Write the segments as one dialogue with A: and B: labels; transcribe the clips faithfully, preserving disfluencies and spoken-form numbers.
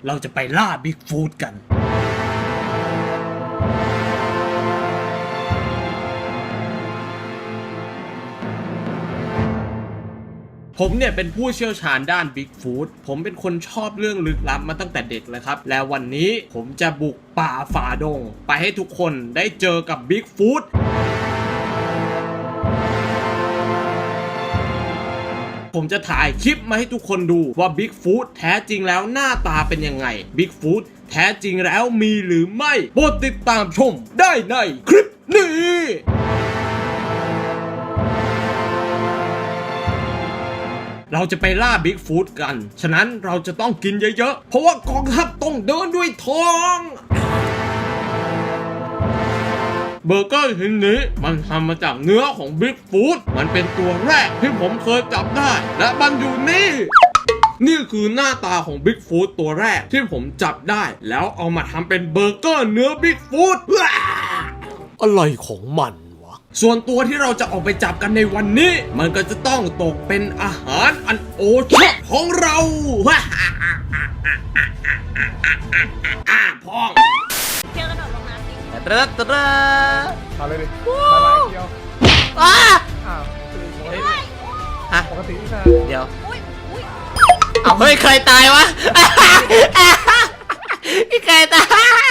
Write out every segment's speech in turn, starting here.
A: เราจะไปล่าบิ๊กฟูดกันผมเนี่ยเป็นผู้เชี่ยวชาญด้านบิ๊กฟูดผมเป็นคนชอบเรื่องลึกลับมาตั้งแต่เด็กเลยครับและวันนี้ผมจะบุกป่าฝ่าดงไปให้ทุกคนได้เจอกับบิ๊กฟูดผมจะถ่ายคลิปมาให้ทุกคนดูว่าบิ๊กฟูดแท้จริงแล้วหน้าตาเป็นยังไงบิ๊กฟูดแท้จริงแล้วมีหรือไม่โปรดติดตามชมได้ในคลิปนี้เราจะไปล่าบิ๊กฟูดกันฉะนั้นเราจะต้องกินเยอะๆเพราะว่ากองทัพต้องเดินด้วยท้องเบอร์เกอร์ชิ้นนี้มันทำมาจากเนื้อของบิ๊กฟูดมันเป็นตัวแรกที่ผมเคยจับได้และมันอยู่นี่นี่คือหน้าตาของบิ๊กฟูดตัวแรกที่ผมจับได้แล้วเอามาทำเป็นเบอร์เกอร์เนื้อบิ๊กฟูดอะไรของมันวะส่วนตัวที่เราจะออกไปจับกันในวันนี้มันก็จะต้องตกเป็นอาหารอันโอชอบของเราอ่าพ่อง
B: เที่ยวกระโดดลงน้ำดิ
C: ตระตระ
D: เอาเลยดิมาลายเดียว
C: อ้า
D: อ้าว
C: ฮะ
D: ปกตินี่นะ
C: เดี๋ยว
B: อุ้ยอุ้ย
C: เอาเฮ้ยใครตายวะพี่ใครตาย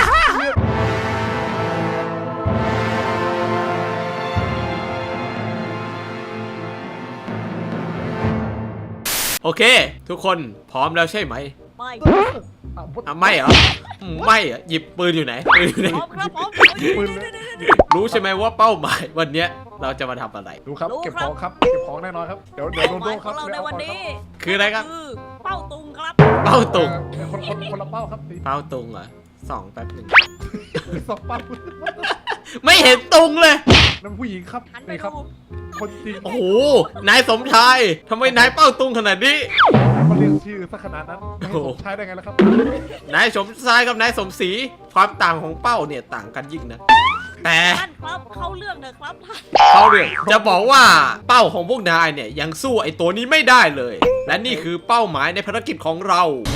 C: โอเคทุกคนพร้อมแล้วใช่ไหม
B: ไม่
C: อ่ะไม่เหรออืมไม่เหรอหยิบปืนอยู่ไหนปืนอยู่ไหน
B: พร้อมครับพร้อม
D: ปืนเลย
C: รู้ใช่ไหมว่าเป้าหมายวันเนี้ยเราจะมาทำอะไร
D: ดูครับเก็บของครับเก็บของแน่นอนครับเดี๋ยวเดี๋ยวโดน
B: ห
D: โด
B: มาย
D: น
B: ข
D: ครั
B: อบ งเราในวันนี้
C: คืออะไรครับ
B: คือเป้าตุงครับ
C: เป้าตุง
D: คนคนคนละเป้าครับตี
C: เป้าตุงเหรอสองแป๊บหนึ่ง
D: สองเป้า
C: ไม่เห็นตุงเลย
D: นั่นผู้หญิงครับ
B: หันไป
D: นี่ครับ
B: ดู
D: คนจริง
C: โอ้โหนายสมชายทำไมนายเป้าตุงขนาดนี้
D: เขาเรียกชื่อซะขนาดนั้นไม่ให้ผมใช้ได้ไงล่ะครับ
C: นายสมชายกับนายสมศรีความต่างของเป้าเนี่ยต่างกันยิ่งนะแต่
B: ท่านครับเข้าเรื่องเถอะครับท่าน
C: เขาเรื่องจะบอกว่าเป้าของพวกนายเนี่ยยังสู้ไอ้ตัวนี้ไม่ได้เลย และนี่คือเป้าหมายในภารกิจของเรา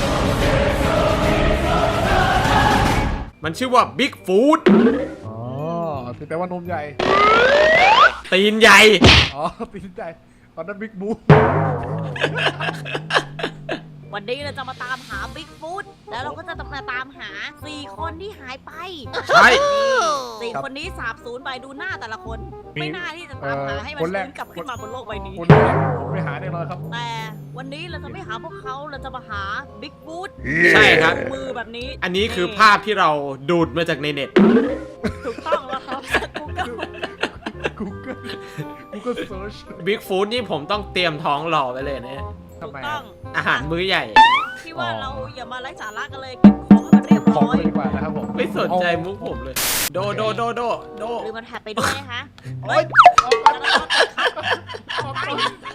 C: มันชื่อว่าบิ๊กฟูด
D: อ๋อแปลว่านมใหญ่
C: ตีนใหญ่
D: อ๋อตีนใหญ่ตอนนั้นบิ๊กบู
B: วันนี้เราจะมาตามหาบิ๊กฟูดแล้วเราก็จะมาตามหาสี่คนที่หายไป
C: ใช่
B: สี่คนนี้สาบสูญไปดูหน้าแต่ละคน ไม่น่าที่จะตามหาให้มัน
D: คนแร
B: ฟื้
D: ก
B: นกลับขึ้นมาบนโลกใบนี้
D: คนแรกผมไปหาแน่นอนครับ
B: แต่วันนี้เราจะไม่หาพวกเขาเราจะมาหาบิ๊กฟูด
C: ใช่ครับ
B: มือแบบนี้
C: อันนี้คือภาพที่เราดูดมาจากในเน็ต
B: ถูกต้องแล้วครับกูเกิล
D: Google Google Search
C: บิ๊กฟูดนี่ผมต้องเตรียมท้องรอไว้เลยนะ
D: ทำ
B: ถูก
D: ไม
B: ต้
D: อะ
B: อง
C: อาหารมื้อใหญ่
B: ที่ว่าเราอย่ามาไร้สาระกันเลยเก็บของให้มันเรียบ
D: ของ
B: ร้อย
D: เลยดีกว่านะครับผม
C: ไม่สนใจมุกผมเลย โดโดโดโดโด
B: หรือมันแท็บไปด้วยนะคะ
D: โอ๊ยเอาก่อนเอาก่อน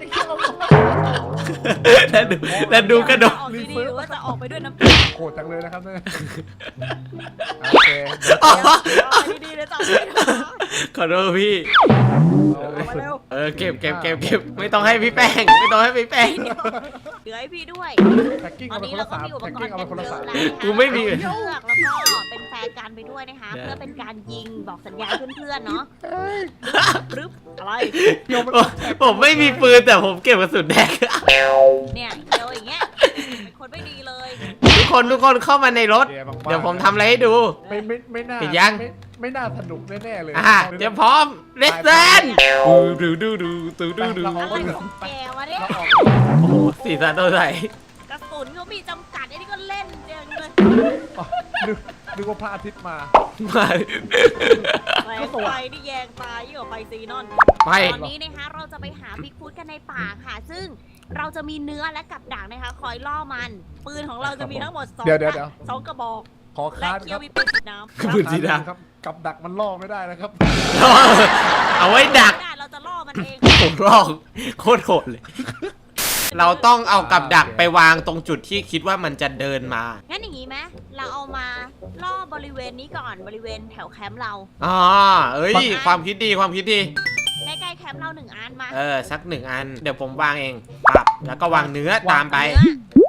C: แล้วดูแล้วดูกระโดด
B: ออกดีๆหรือว่าจะออกไปด้วยน้ำตา
D: โหดจังเลยนะครับเนี่ยโอเค
C: อ๋อ
B: ออกดีๆเลยจะออกไปด้วย
C: ขอโทษพี่
B: เอามาเร็ว
C: เออเก็บเก็บเก็บเก็บไม่ต้องให้พี่แป้ง ไม่ต้องให้พี่แป้ง
B: เหลือให้พี่ด้วย
D: แพ็กกิ้ง
B: ตอ
D: เอา
B: น
D: ไป
B: นี้
D: คน
B: เรา
D: ละ
B: ก็
D: สาม
B: มีอุป
D: แพ็ก
B: กร
D: กิ้ง
B: ณ์
D: เอา
B: กั
D: ไป
B: น
D: คนละ
B: เย
D: สา
B: อะ
D: ม
B: แล้วนะคะ
C: กูไม่มี
B: เลือกแล้วก็เป็นแฟร์กันไปด้วยนะคะ เพื่อเป็นการยิงบอกสัญญาณเพื่อนๆเนาะปรึ๊บอะไร
D: เดียวมัน
C: ผมผมไม่มีปืนแต่ผมเก็บกระสุนแดง
B: เนี่ยเดียวอย่างเงี้ยเป็นคนไม่ดีเลย
C: ทุกคนทุกคนเข้ามาในรถ เดี๋ยวผมทำอะไรให้ดู
D: ไม่ไม่ไม่น่า
C: ปิดยัง
D: ไม่ไม่น่าสนุกแน่ๆเลย
C: อ่าเตรียมพร้อมเลสเซนดูดูดูดูดูดูดู
B: อะไรของแกวะเนี่ย
D: เราออก
C: โอ้โหสีสันตัวใส
B: กระสุนเขามีจำกัดไอ้นี่ก็เล่นเดียวเลย
D: นึกนึกว่าพระอาทิตย์มา
C: มา
B: แสงไฟนี่แยงตายิ่งกว่าไฟซีนอน
C: ไป
B: ตอนนี้นะคะเราจะไปหาบิ๊กฟูดกันในป่าค่ะ ซึ่งเราจะมีเนื้อและกับดักนะคะ คอยล่อมัน ปืนของเราจะมีทั้งหมดสอง
D: เดี๋ยวเดี๋ยวเดี๋ยว
B: สองกระบอก
D: ขอ
B: และ
D: ค้าน
B: เคี
D: ค
B: ยว
D: รับ
B: มีปืนฉีดน้ำ
C: ปืนสีด
D: ครับกับดักมันล่อไม่ได้นะครับ
C: ำเอาไว้ดัก
B: ได้เราจะล่อมันเอง
C: ผมลอกโคตรโหดเลย เราต้องเอากับดักไปวางตรงจุดที่คิดว่ามันจะเดินมา
B: งั้นอย่างนี้ไหมเราเอามาล่อบริเวณนี้ก่อนบริเวณแถวแคมป์เรา
C: อ๋อเอ้ย ความคิดดีความคิดดี
B: ใกล้ๆแคมป์เราหนึ่งอันมา
C: เออ สักหนึ่งอัน เดี๋ยวผมวางเองปั๊บแล้วก็วางเนื้อตามไป
B: เนื้อ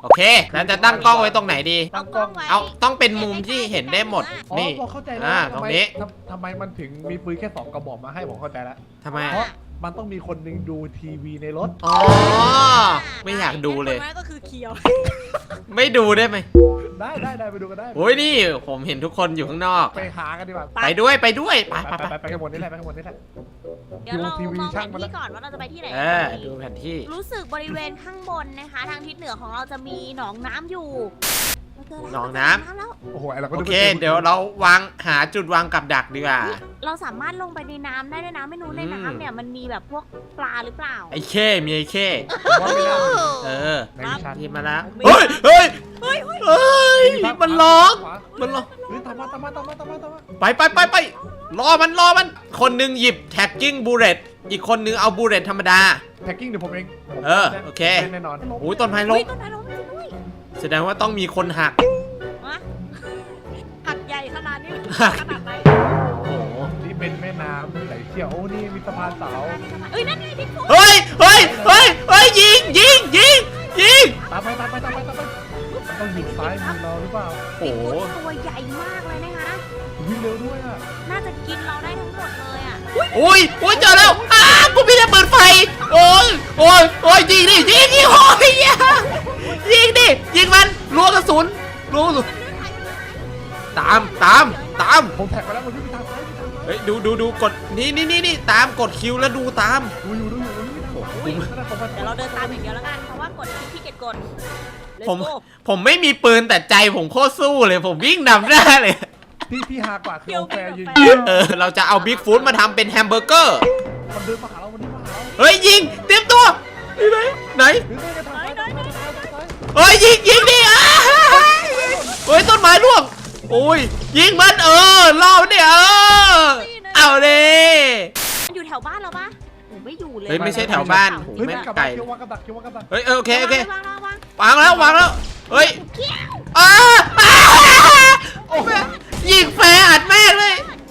C: โอเค แล้วจะตั้งกล้องไว้ตรงไหนดี
B: เอากล้องไว้
C: เอาต้องเป็นมุมที่เห็นได้หมด
D: อ๋อ
C: นี่
D: ผมเข้าใจแล้ว
C: อ่า
D: ทำ
C: ตรง
D: ไม
C: นี้
D: ทำทำไมมันถึงมีปืนแค่สองกระบอกมาให้ผมเข้าใจแล้ว
C: ทำไม
D: เพราะมันต้องมีคนหนึงดูทีวีในรถ
C: อ๋อ ไม่อยากดูเลย
B: คนนั้นก็คือเคียว
C: ไม่ดูได้ไหม
D: ได้ได้ได้ไปดูกันได้
C: โอ้ยนี่ผมเห็นทุกคนอยู่ข้างนอก
D: ไปหากันดีกว่า
C: ไปด้วยไปด้วยไป
D: ไป
C: ไป
D: ไป
C: ไป
D: ไปไปกันหมดนี่แหละไปกันหมดนี่แหละ
B: เดี๋ยวเรา
D: ทีวี
B: มองแผ
D: ช่าง
B: น
D: มาแล้ว
B: ที่ก่อนว่าเราจะไปที่ไหน
C: เอ
B: กัน
C: อ
B: ดี
C: ดูแผนที่
B: รู้สึกบริเวณข้างบนนะคะ ทางทิศเหนือของเราจะมีหนองน้ำอยู่เราเจแล้ว
C: หนองน้ำ
B: เจแล้ว
D: โอ้โหไอ้เราก็
C: โอ
D: ดู
C: เค เดี๋ยวเราวางหาจุดวางกับดักดีกว่า
B: เราสามารถลงไปในน้ำได้ด้วยนะไม่รู้ใน
C: อืม
B: น้ำเนี่ยมันมีแบบพวกปลาหรือเปล่า
C: ไอ้เข้มีไอ้เข้
D: ผมว่าไม่ได้
C: เออ
D: ในวิชา
C: ที่มาแล้ว
B: ไม่
C: เฮ้ยเฮ้ย
B: เฮ้ยเฮ้ย
C: เฮ้ยมันร้องมันร้อง
D: เฮ้ยตามมาตามมาตามมาตามมาตามมา
C: ไปไปไปไปรอมันรอมัน คนหนึงหยิบแท็กกิ้งบูเลตอีกคนหนึงเอาบูเลตธรรมดา
D: แท็กกิ้งเดี๋ยวผมเองผม
C: เออโอเค
D: แน่นอน
C: โอ้ยต้นไม้ล้
B: เฮ้
C: ม
B: ยต้นไม้ล้มจริงด้วย
C: แสดงว่าต้องมีคนหัก
B: ฮะหักใหญ่ขนาดนี้
C: หัก
B: ขนาดไหน
C: โอ้โห
D: นี่เป็นแม่น้ำไหลเชี่ยวโอ้นี่มีสะพานเสา
B: เอ้ยนั่นไงพี่ฟุ๊ก
C: เฮ้ยเฮ้ยเฮ้ยเฮ้ยยิงยิงยิงยิง
D: ตามไปตามไปตามไปตามไปมันต้องอยู่ซ้ายมือเราหรือเปล่า
C: โอ้โห
B: ตัวใหญ่มากเลยนะคะ
D: วิ่งเร็วด้วยอ่ะ
B: น่าจะกินเราได้ทั้งหมดเลยอ่ะ
C: อุ้ยอุ้ยเจอแล้วอ้ากูมีแต่เปิดไฟโอ้ยโอ้ยโอ้ยยิงดิยิงดิโอ้ยอย่ายิงดิยิงมันรัวกระสุนรัวกระสุนตามตามตาม
D: ผมแท็กไปแล้วมันวิ่งไปทางซ้ายไปทางซ้าย
C: เฮ้ยดูดูดูกดนี่นี่นี่นี่ตามกดคิวแล้วดูตาม
D: ดูอยู่ดูอยู่ดูอยู่
C: โอ้โห
D: อุ้ยนั่นแหละผม
B: เดี๋ยวเราเดินตามอย่างเดียวแล้วกัน เพราะว่ากดที่เก็ตกด Let's
C: ผม
B: go
C: ผมไม่มีปืนแต่ใจผมโคตรสู้เลยผมวิ่งนำหน้าเลย
D: ที่ที่ฮากว่าคือ
B: เดี๋ยว
D: โอแฟร์ยืน
B: เดี๋ยว
C: เออเราจะเอาบิ๊กฟู้ดมาทำเป็นแฮมเบอร์เกอร์
D: มันเดินมาหาเรามันเดินมาหาเรา
C: เฮ้ยยิงเตรียมตัวนี่ไหนไหน
D: เดินไปทางซ้ายทางซ้ายทางซ้ายทางซ้าย
C: เฮ้ยยิงยิงดิอ่ะเฮ้ยต้นไม้ร่วงโอ้ยยิงมันเออล่อมันดิเออเอาดิ
B: มันอยู่แถวบ้านเราปะโอ้ไม่อยู่เลย
C: เฮ้ยไม่ใช่แถวบ้าน
B: เ
C: โอ้โห
D: เฮ้ย
C: แม่
D: มัน
C: ง
D: กลับ
C: ไกล
D: มาเกี่ยววางกับดักเกี่ยววางกับดัก
C: เฮ้ยเออโอเคโอเค
B: วางวางวาง
C: วางแล้ววางแล้วเฮ้ย
B: เขี้ยว
C: อ้าอ้าโอ้แม่ยิงแฟร์อัดแม่งเลย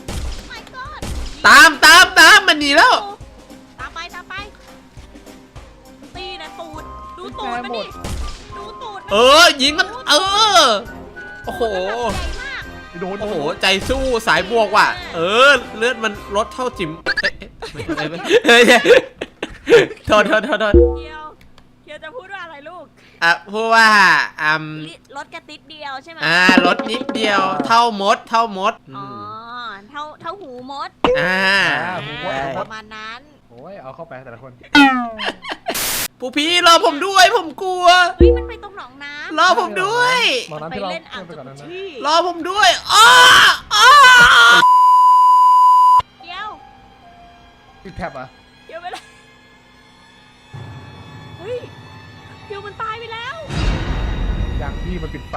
B: my god
C: ตามตามตามมันหนีแล้ว
B: ตามไปตามไปตีนะตูดดูตูดมันดิดูตูดมัน
C: เออยิงมันเออโอ้โห
B: ใหญ่มาก
D: โดน
C: โอ้โหใจสู้สายบวกว่ะเออเลือดมันลดเท่าจิ๋มเอ๊ะเอ๊ะไม่ไม่ไม่เฮ้ยโทษโทษโทษโทษ
B: เคียวเคียวจะพูดว่าอะไรลูก
C: อ่ะพูดว่าอืม
B: ลิรถกระติดเดียวใช่ไหม
C: อ่าลดนิดเดียวเท่ามดเท่ามด
B: อ๋อเท่าเท่าหูมด
C: อ่า
B: อ่าประมาณนั้น
D: โอ้ยเอาเข้าไปแต่ละคน
C: ผู้พี่รอผมด้วยผมกลัว
B: เฮ้ยมันไปตรงหนองน้ำ
C: รอผมด้วย
D: มอง
B: มัน
D: น้ำ
B: ไป
D: ที่เรา
B: เล่นอ่าง
D: ไปก่อนนั้นนะ
B: ที่
C: รอผมด้วยอ้าอ้า
B: เดียว
D: ติดแท็บอ่ะ
B: เดียวไปเลยเฮ้ยเดียวมันตายไปแล้ว
D: อย่างที่มันปิดไฟ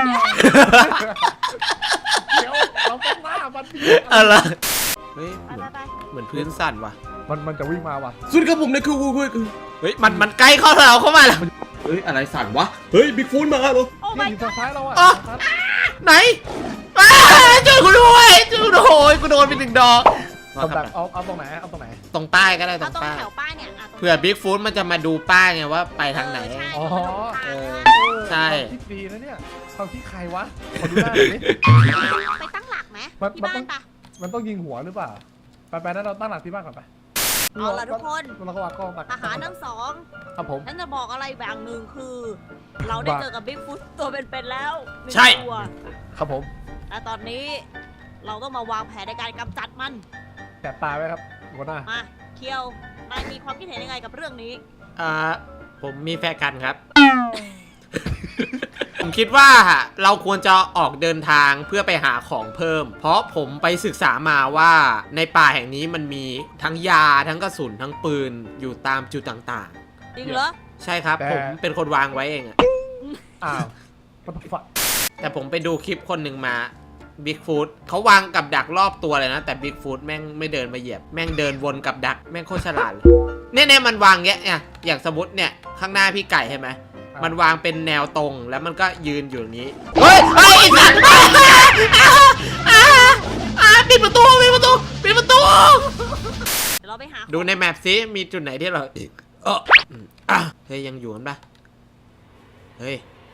D: เดี๋ยวเราต้องหน้ามันดิ
C: อะไรเฮ้ย
B: ไปไปไป
C: เหมือนพื้นสั่นว่ะ
D: มันมันจะวิ่งมาว่ะ
A: สุดครับผมในคือคือคือ
C: เฮ้ยมันมันใกล้เข้าเราเข้ามาแล้ว
A: เฮ้ยอะไรสั่นวะเฮ้ยบิ๊กฟูดมาเหรอ
B: โอ้
D: เนี่ย
B: my
D: อยู่
B: god
D: ทางซ้ายเราอ่ะ
C: อ๋อ
D: ทางซ้าย
C: ไหนอ้าช่วยกูด้วยช่วยกูด้วยโอ้ยกูโดนไปหนึ่งดอก
D: เอาแบบเอาเอาตรงไหนเอาตรงไหน
C: ตรงป้ายก็ได้ตร
B: เอา
C: ง
B: ตรง
C: ป้าย
B: แถวป้ายเนี่ยะตรง
C: เผื่อบิ๊กฟูดมันจะมาดูป้ายไงว่าไปทางไหน
B: เออใช่
D: อ๋อ
B: เออ
C: ใช่
D: ความคิดดีนะเนี่ยความคิดใครวะขอดูหน้าหน่อยดิ
B: ไปตั้งหลักไหม
D: มัน
B: ที่
D: มัน
B: บ้า
D: ต้อน ง
B: ปะ
D: มันต้องยิงหัวหรือเปล่าไปไปนั้นเราตั้งหลักที่บ้านก่อนไป
B: เอาล่ะทุกคน
D: เราก็วางกล้องตัก
B: ทหารทั้งสอง
D: ครับผม
B: ฉันจะบอกอะไรแบบหนึ่งคือ เราได้เจอกับบิ๊กฟุตตัวเป็นๆแล้วหนึ่ง
C: ใช่
B: ตัว
D: ครับผม
B: และตอนนี้เราต้องมาวางแผนในการกำจัดมัน
D: แสบตาไว้ครับหัวหน้า
B: มาเคียวนายมีความคิดเห็นยังไงกับเรื่องนี้
C: อ่าผมมีแฟนกันครับ ผมคิดว่าเราควรจะออกเดินทางเพื่อไปหาของเพิ่ม เพราะผมไปศึกษามาว่าในป่าแห่งนี้มันมีทั้งยาทั้งกระสุนทั้งปืนอยู่ตามจุดต่าง
B: จริงเหรอ
C: ๆ ใช่ครับ ผมเป็นคนวางไว้เองอะ
D: อ้าวปัตตฝัก
C: แต่ผมไปดูคลิปคนหนึ่งมาบิ๊กฟูดเขาวางกับดักรอบตัวเลยนะ แต่บิ๊กฟูดแม่งไม่เดินมาเหยียบ แม่งเดินวนกับดักแม่งโคตรฉลาดเลยเนี่ยเนี่ยมันวางเงี้ยเนี่ยอย่างสมมติเนี่ยข้างหน้าพี่ไก่ใช่ไหมมันวางเป็นแนวตรงแล้วมันก็ยืนอยู่อย่างนี้เฮ้ยเฮ้ยไอ้สัตว์อ่าอ่าอ่าปิดประตูปิดประตูปิดประตู
B: เดี๋ยวเราไปหา
C: ดูในแมปซิมีจุดไหนที่เราเอออืมอ่ะเฮ้ยยังอยู่กันปะเฮ้ย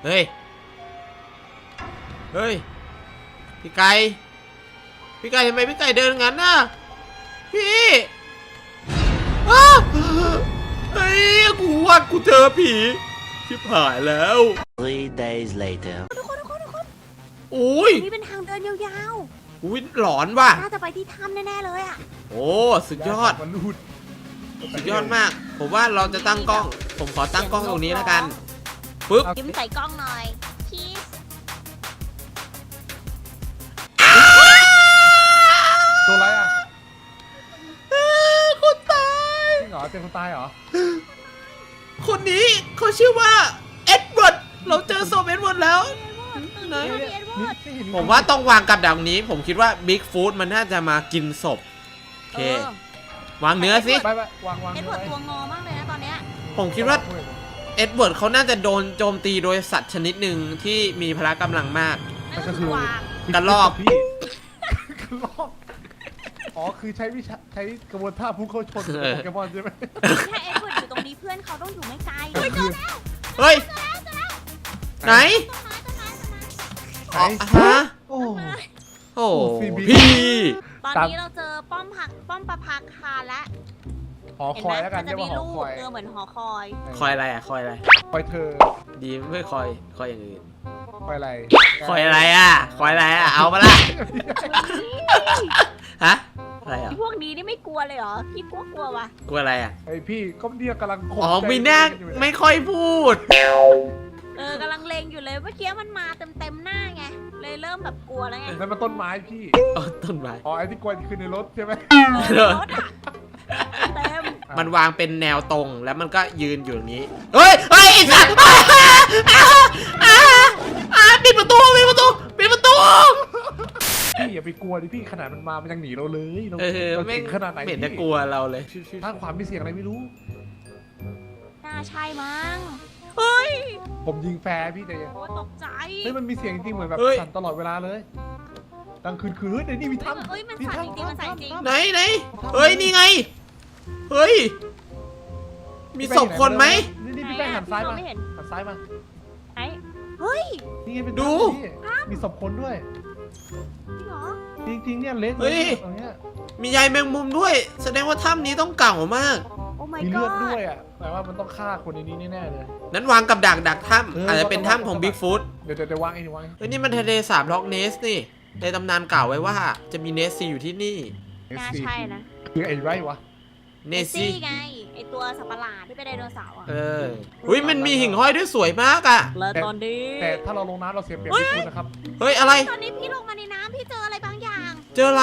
C: เฮ้ย เฮ้ย พี่ไก่ พี่ไก่ทำไมพี่ไก่เดินงั้นน่ะ พี่อ้าวเฮ้ย กูว่ากูเจอผีชิบหายแล้ว
E: Three days later.
B: ทุกคนทุกคนทุกคน
C: โอ้ย
B: นี่เป็นทางเดินยาว
C: อุ้ยหลอนว่ะ
B: ๆน่าจะไปที่ถ้ำแน่ๆเลยอ่ะ
C: โอ้สุดยอด
D: มันรูด
C: สุดยอดมาก ผมว่าเราจะตั้งกล้อง ผมขอตั้งกล้องตรงนี้แล้วกัน ปึ๊บ
B: ยิ้มใส่กล้องหน่อยชีส
D: ตัวอะไรอ่ะ
C: คนตาย
D: จริงเหรอเป็นคนตายเหรอ
C: คนนี้เขาชื่อว่าเอ็ดเวิร์ด เราเจอศพเอ็ดเวิร์ดแล้ว ไหน
B: เอ็ดเวิร์ด
D: นี่เห็น
C: ผมว่าต้องวางกับดักนี้ ผมคิดว่าบิ๊กฟูดมันน่าจะมากินศพ โอเค
B: เออ
C: วางเนื้อสิ
D: ไปไปวางวาง
B: เอ็ดเวิร์ดตัวงอมากเลยนะตอนเนี้ย
C: ผมคิดว่าเอ็ดเวิร์ดเขาน่าจะโดนโจมตีโดยสัตว์ชนิดหนึ่งที่มีพละกำลังมาก
B: นั่นก็คือวาง
C: กระรอก
D: พี่กระลอกอ๋อคือใช้วิชาใช้กระบวนท่าพุ่งเข้าชนโปเกมอนใช่ไหม
B: ถ้าเอ็ดเวิร์ดอยู่ตรงนี้เพื่อนเขาต้องอยู่ไม่ไกลเฮ้ยเจอแล้ว
C: เฮ้ย ไหน
B: ต้นไม้ต้นไม้ต้นไม้
C: อ๋อฮะ
D: โอ้
C: โอ้
D: โอ้ซีบี
C: พี่
B: ตอนนี้เราเจอป้อมผักป้อมประภาคารและ
D: หอ
B: เห็น
D: คอ
B: ไหม
D: ยแล้วกัน
B: มันจะ
D: เรียก
B: มี
D: ว่าหอ
B: รู
D: ค
B: ป
D: อย
B: เออเหมือนหอคอย
C: คอยอะไรอ่ะ คอยอะไร
D: คอยเธอ
C: ดีไม่คอย คอยอย่างอื่น
D: คอยอะไร
C: คอยอะไรอ่ะ คอยอะไรอ่ะ เอามาละฮะ อะไรอ่ะ
B: ไอ้พวกนี้นี่ไม่กลัวเลยเหรอ พี่กลัวกลัววะ
C: กลัวอะไรอ่ะ
D: ไอพี่ก็เนี่ยกำลังข่ม
C: อ๋อ
D: ใจ
C: มีหน้า
D: อยู่เนี่ย
C: ไม่ค่อยพูด
B: เออกำลังเลงอยู่เลยเมื่อกี้มันมาเต็มเต็มๆหน้าไง เลยเริ่มแบบกลัวแล้วไง
D: นั่นมันต้นไม้พี่
C: อ๋อ ต้นไม้
D: อ๋อไอที่กวนคือในรถใช่ไหม
B: เออรถอะเต็ม
C: มันวางเป็นแนวตรงแล้วมันก็ยืนอยู่อย่างนี้ เฮ้ย เฮ้ยไอ้สัตว์อ่าอ่าอ่าอ่าปิดประตูปิดประตูปิดประตู
D: พี่อย่าไปกลัวดิพี่ขนาดมันมามันยังหนีเราเลยเรา
C: เออ
D: เรา
C: ไม่
D: เก่งขนาดไหน
C: ไม่เห็นจะ
D: พี่
C: กลัวเราเลย
D: ถ้าความมีเสียงอะไรไม่รู้
B: น่าใช่มั้ง เฮ้ย
D: ผมยิงแฟร์พี่แต่
B: โอ้ตกใจ
D: เฮ้ยมันมีเสียงจริงๆเหมือนแบบ
C: เฮ้ย
D: สั่นตลอดเวลาเลยดังคืนคืนเฮ้ยเดี๋ยวนี่มีถ้ำ
B: เฮ้ยมันสั่นจริงๆมันสั่นจริง
C: ไหนไหนเฮ้ย นี่ไง เฮ้ย มีศพคนไหม
D: นี่นี่พี่แป้งหันซ้ายมา
B: ไม่เห็น
D: หันซ้ายมา
B: ไหนเฮ้ย
D: นี่ไงเป็น
C: ดู
D: ถ้ำพี่มีศพคนด้วย
B: จริงเหรอ
D: จริงๆเนี่ยเล็ก
C: เฮ้ย
D: ตรงเนี้ย
C: มีใยแมงมุมด้วย แสดงว่าถ้ำนี้ต้องเก่ามาก
B: โอ้ my
D: มีเลือด
B: god
D: ด้วยอ่ะแปลว่ามันต้องฆ่าคนในนี้แน่ๆเลย
C: นั้นวางกับดักดักถ้ำ
D: เอออ
C: อาจจะเป็นถ้ำของบิ๊กฟูด
D: เดี๋ยวเดี๋ยวเดี๋ยววางเองเดี๋ยววางเอง
C: เฮ้ย นี่มันทะเลสาบล็อกเนสนี่ ในตำนานกล่าวไว้ว่า จะมีเนสซีอยู่ที่นี่
B: น่าใช่นะ
D: คือไอ้ไรวะ
C: เนสซี
B: ไง ไอตัวสัตว์ประหลาดที่เป็นไดโนเสาร์อ่ะ
C: เอออุ้ยมันมีหิ่งห้อยด้วยสวยมากอ่ะ
B: แล้วตอนนี้
D: แต่ถ้าเราลงน้ำเราเสียเปรียบพี่คุณนะครับ
C: เฮ้ย อะไร
B: ตอนนี้พี่ลงมาในน้ำพี่เจออะไรบางอย่าง
C: เจออะไร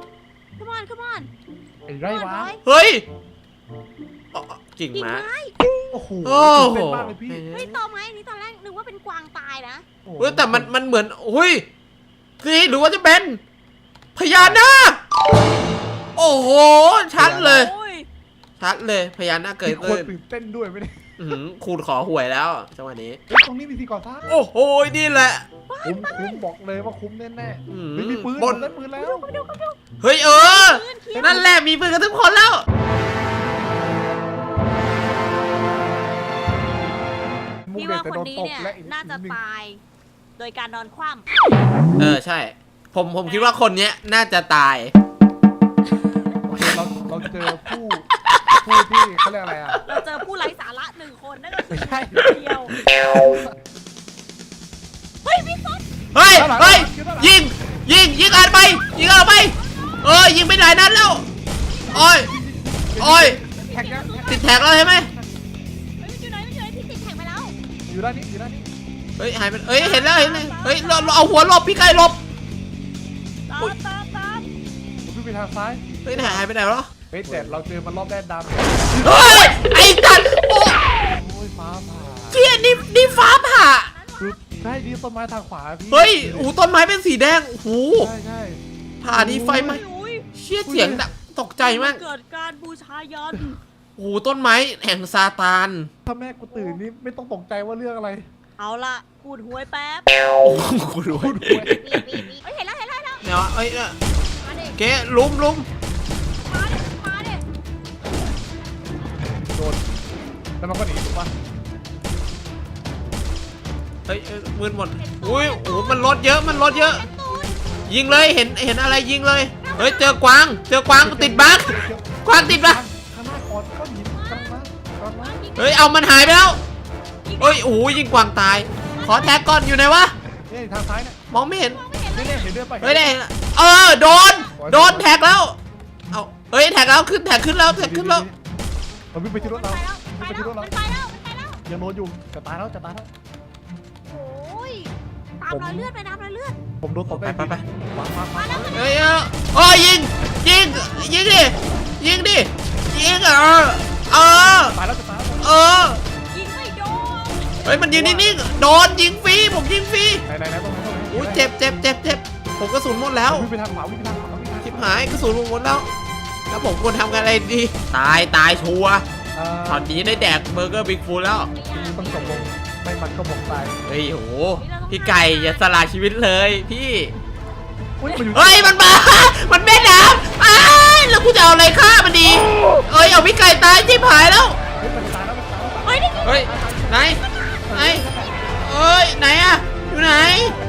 B: come on come on
D: ไอ้ไรวะ
C: เฮ้ยอ๋อกิ่ง
B: กิ่ง
C: ม้า
B: ไม้
D: โอ้โห
C: โอ้โห
D: ตื่นเต้นมากเลยพี่
B: เฮ้ยตอไม้อันนี้ตอนแรกนึกว่าเป็นกวางตายนะ
D: โอ้โห
C: เฮ้ยแต่มันมันเหมือนอุ้ยนี่หรือว่าจะเป็นพญานาค โอ้โห ชัดเลย
B: โอ้ย
C: ชัดเลยพญานาคเกิด
D: มีคน
C: ขึ้น
D: ตื่นเต้นด้วยไม่ได้
C: อื้อหือคูณขอหวยแล้วจังหวะนี้
D: เฮ้ยตรงนี้มีที่ก่อสร้าง
C: โอ้โห นี่แหละ
D: คุ้มคุ้มบอกเลยว่าคุ้มแน่ๆ
C: อื้อ
D: เฮ้ยมีปืน
C: บน
D: ผมได้ปืนแล้ว
C: เฮ้ยเออ
B: ปืนเขียว
C: นั่นแหละมีปืนกันทุกคนแล้ว
B: พี่ว่าคนนี้เนี่ย
D: และอีก
B: น่าจะ
D: หง
B: ตาย โดยการนอนคว่
C: เออใช่ ผมผมคิดว่าคนเนี้ยน่าจะตาย
D: โอเคเราเราเจอผู้ผู้ที่เขาเรียกอะไรอ่ะ
B: ำเราเจอผู้ไร้สาระหนึ่งคนนั่นก็คือ
D: ไม่ใช่
B: เดียว เฮ้ยพี่ฟุ๊ก
C: เฮ้ยเฮ้ยยิงยิงยิงอ่านไปยิงอ่านไปเออยิงไปหลายนัดแล้วโอ้ยโอ้ย
D: แท็กยัง
C: ติดแท็กแล้วใช่ไหม
B: เฮ้ยมันอยู่ไหนมันอยู่ไหนพี่ติดแท็กไปแล้ว
D: อยู่ด้านนี้อยู่ด้านนี้
C: เฮ้ยหายไปเฮ้ยเห็นแล้วเห็นเลยเฮ้ยเราเราเอาหัวหลบพี่ไก่หลบ
B: ตามตามตาม
D: ผมวิ่งไปทางซ้าย
C: เฮ้ยหายไปไหนวะ
D: เฮ้ยแต่เราเจอมันรอบแรกดำ
C: เฮ้ยไอ้จันโอ้
D: โอ้ยฟ้าผ่า
C: เจี๊ยนี่นี่ฟ้าผ่า
D: คือใช่ดีต้นไม้ทางขวาพี่
C: เฮ้ยโอ้ต้นไม้เป็นสีแดงโอ้โห
D: ใช่ใช่
C: ผ่าดีไฟไหม
B: อุ้ย
C: เชี่ยเสียงดังตกใจมาก
B: เกิดการบูชายัน
C: โอ้โหต้นไม้แห่งซาตาน
D: ถ้าแม่กูตื่นนี่ไม่ต้องตกใจว่าเรื่องอะไร
B: เอาละขูดหวยแป๊บ
C: โอ้โหคุณรู้
D: พูดหวย
B: ปีปีปีเฮ้ยเห็นแล้วเห็นแล้วเห็นแล้ว
C: เนี่ยวะเอ้ยเนี่ย
B: มาดิ
C: เก๊ลุมลุม
B: มาดิมาดิ
D: โดนแล้วมันก็หนีถูกปะ
C: เฮ้ยเอ้ยมืดหมดอุ้ยโอ้โหมันรถเยอะมันรถเยอะ ยิงเลยเห็นเห็นอะไรยิงเลยเฮ้ยเจอกวางเจอกวางติดบั๊กกวางติดบั๊ก
D: ข้างหน้าก่อนก้อนหินกำลังมากำลังมา
C: เฮ้ยเอามันหายไปแล้วเฮ้ยโอ้ยยิงกวางตาย ขอแท็กก่อนอยู่ไหนวะ
D: เนี่ยทางซ้ายเนี่ย
C: มองไม่เห็น
D: เนี่ยเนี่ยเห็นเดินไป
C: เฮ้ยได้เออโดนโดนแท็กแล้วเอาเฮ้ยแท็กแล้วขึ้นแท็กขึ้นแล้วแท็กขึ้นแล้ว
D: เราวิ่งไปที่รถ
B: ไป
D: เรา
B: แล้ว
D: วิ่ง
B: ไป
D: ไป
B: แล้ว
D: ที่รถเรา
B: มันไปแล้วมันไปแล้ว
D: ยังโดนอยู่จะตายแล้วจะตายแล้ว
B: โอ้ยตามรอยเลือดไปตามรอยเลือด
D: ผมโดนตบ
C: ไป
D: ได้
C: ไปไป
D: วางวางวาง
C: เฮ้ยเออโอ้ยยิงยิงยิงดิยิงดิยิงเออเออ
D: ตายแล้วจะตายแล้ว
C: เออ
B: ยิงไม่โดน
C: เฮ้ยมันยิงนิ่งๆโดนยิงฟรีผมยิงฟรี
D: ไหนไหนไหนตรงไหนตรงไหน
C: อุ้ยเจ็บเจ็บเจ็บเจ็บผมกระสุนหมดแล้ว
D: วิ่งไปทางขวาวิ่งไปทางขวาวิ่งไปทางขวา
C: ชิบหายกระสุนผมหมดแล้ว แล้วผมควรทำกันอะไรดี ตายตายชัวร์
D: เอ่อ
C: ตอนนี้ได้แดกเบอร์เกอร์บิ๊กฟูดแล้ว
D: ต้องจบลงไม่มันก็บอกตาย
C: เฮ้ยโหพี่ไก่อย่าสละชีวิตเลยพี่
D: อุ้ยมันอยู่
C: เฮ้ยมันมา มันแม่น้ำอ้ายแล้วกูจะเอาอะไรฆ่ามันดีเอ้ยเอาพี่ไก่ตายชิบหายแล้ว
D: เฮ้ยมันตายแล้วมันตายแล้ว
B: เฮ้ยนี่
C: เฮ้ยไหนไหนเอ้ยไหนอะอยู่ไหน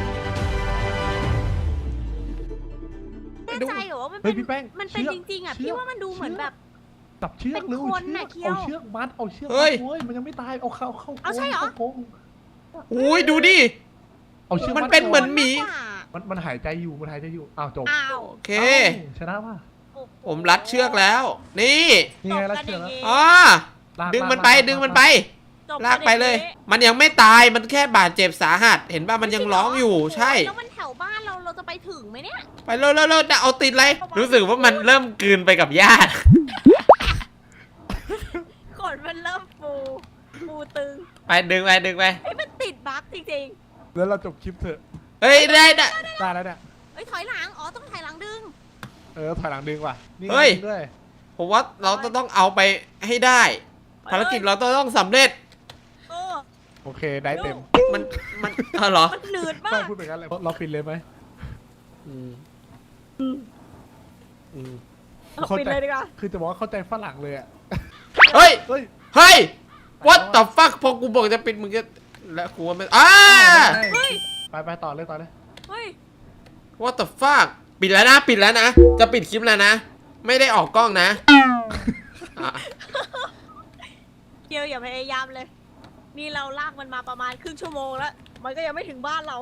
B: แน่ใจเหรอว่ามัน
D: เฮ้
B: เป็
D: ย
B: น
D: พี่แป้ง
B: มันเป็น
D: ชือก
B: จริงๆอ่ะ
D: ชื
B: พี่
D: ก
B: ว่ามันดูเหมือนแบบ
D: จับเชือก
B: เป็น
D: เร็ว
B: คนน่ะเคี้ยว
D: เอาเชือกมัดเอาเชือก
C: เฮ้ย
D: มัดเว้ยมันยังไม่ตายเอาเข้าเข้า
B: เอาใช่เหรอ
D: โค้ง
C: อุ้ยดูดิ
D: เอาเชือก
C: มันเป็นเหมือน หมี
B: ากกว่า
D: มันมันหายใจอยู่มันหายใจอยู่อ้าวจบ
B: อ้าว
C: โอเค
D: อ้าชนะป่ะ
C: ผมรัดเชือกแล้ว นี่
D: นี่ไงแล้วเชือกแล้ว
C: อ๋อ
D: ลาก
C: ดึงมันไป
D: ลาก
C: ดึงมันไป
B: จบ
C: ลากไปเลย มันยังไม่ตาย มันแค่บาดเจ็บสาหัส เห็นป่ะ มันยังร้องอยู่ ใช่
B: แล้วมันแถวบ้านเราเราจะไปถึงไหมเนี่ย
C: ไปเร็วเร็วเร็วจะเอาติดเลย รู้สึกว่ามันเริ่มกลืนไปกับหญ้า
B: ขนมันเริ่มฟูฟูตึง
C: ไปดึงไปดึงไป
B: ไอ้ยมันติดบั๊กจริง
D: แล้วเราจบคลิปเถอะ
C: เฮ้ยได้ได้
D: ได้แล้วเนี่ย
B: ๆเอ้ยถอยหลังอ๋อต้องถอยหลังดึง
D: เออถอยหลังดึงว่ะนี่
C: เฮ้ย
D: ดึงด้วย
C: ผมว่าเราจะต้องเอาไปให้ได้ ภารกิจเราต้องสำเร็จ
B: เออ
D: โอเคได้เต็ม
C: มัน มันเออเหรอ
B: มันหนืดมา
D: ไม่
B: ก
D: พูดไปกันเลยเราปิดเลยไหม
C: อืมอืม
B: เอาปิดเลยดีกว่า
D: คือจะบอกว่าเข้าใจฝรั่งเลยอ่ะ
C: เฮ้ย
D: เฮ้ย
C: เฮ้ย what the fuck พอกูบอกจะปิดมึงจะแล้วกูว่าไม่อ้า
B: เฮ้ย
D: ไปไปต่อเลยต่อเลย
B: เฮ้ย
C: what the fuck ปิดแล้วนะ ปิดแล้วนะ จะปิดคลิปแล้วนะ ไม่ได้ออกกล้องนะอ่ะ
B: เกียวอย่าพยายามเลย นี่เราลากมันมาประมาณครึ่งชั่วโมงแล้ว มันก็ยังไม่ถึงบ้านเรา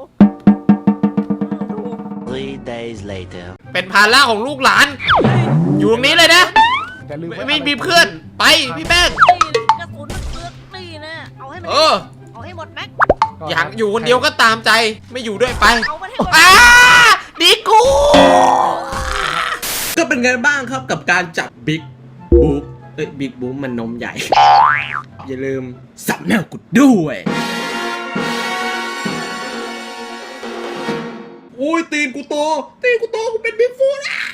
E: Three days later.
C: เป็นภาระของลูกหลาน อยู่ตรงนี้เลยนะ
D: แต่ลืม
C: ไม่ไม่มีเพื่อน ไปพี่แป้ง
B: นี่กระสุนมันเปลือกนี่นะเอาให้มัน
C: เออ
B: เอาให้หมดแม็ก
C: อยากอยู่คนเดียวก็ตามใจ ไม่อยู่ด้วยไป
B: เอามันให้หมด
C: อ้าดีกู
A: ก็เป็นไงบ้างครับกับการจับบิ๊กบุ๊กเอ้ยบิ๊กบุ๊กมันนมใหญ่ อย่าลืมสับแนวกุดด้วยโอ้ยตีนกูโตตีนกูโตกูเป็นบิ๊กฟูดอ่ะ